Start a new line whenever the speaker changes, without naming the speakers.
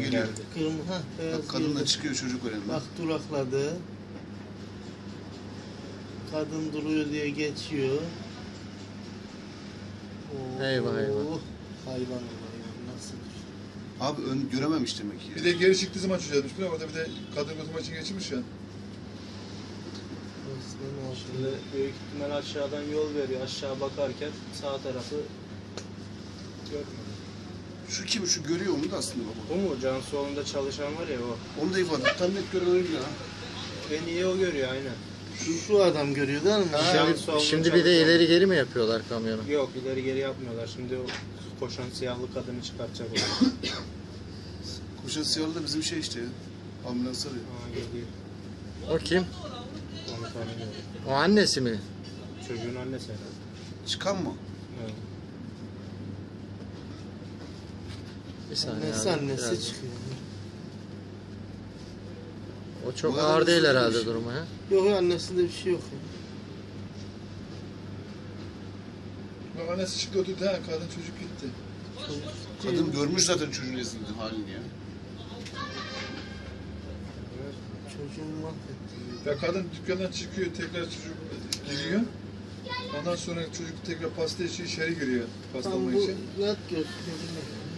geliyor.
Kırmızı, beyaz
Bak kadın da
girdi.
çıkıyor çocuk önünden.
Bak durakladı. Kadın duruyor diye geçiyor. Oo,
Eyvah, eyvah.
Hayvan nasıl?
Abi ön görememiş demek ki.
Bir de geri çıktığı zaman çocuğa düşmüş. Orada bir de kadın götürme için geçirmiş ya.
Şimdi büyük ihtimal aşağıdan yol veriyor. Aşağı bakarken sağ tarafı görmüyor.
Şu kim? Şu görüyor onu da aslında baba.
Bu mu? Cansuoğlu'nda çalışan var ya o.
Onu da ifade. Tam net gören oydu ya.
En iyi o görüyor aynen.
Şu adam görüyor değil mi?
Şimdi bir de ileri geri mi yapıyorlar kamyonu?
Yok ileri geri yapmıyorlar. Şimdi o koşan siyahlı kadını çıkartacak o.
Koşan siyahlı da bizim şey işte ya. Ambulans arıyor.
Aa geliyor.
O kim?
Onu tanımıyorum.
O annesi mi?
Çocuğun annesi herhalde.
Çıkan mı?
Evet.
Bir saniye
Annesi
abi,
annesi
biraz-
çıkıyor.
O çok
Bu kadar
ağır değil
hızlı
herhalde
değilmiş.
durumu ha.
Yok ya annesinde bir şey yok ya.
Bak annesi çıktı oturdu ha. Kadın çocuk gitti.
Kadın görmüş zaten çocuğun esninde halini ya.
Çocuğun mahvetti.
Ya kadın dükkandan çıkıyor, tekrar çocuk giriyor. Ondan sonra çocuk tekrar pasta için içeri giriyor. Pasta
Tam
almak
bu
için.
net gösteriyor.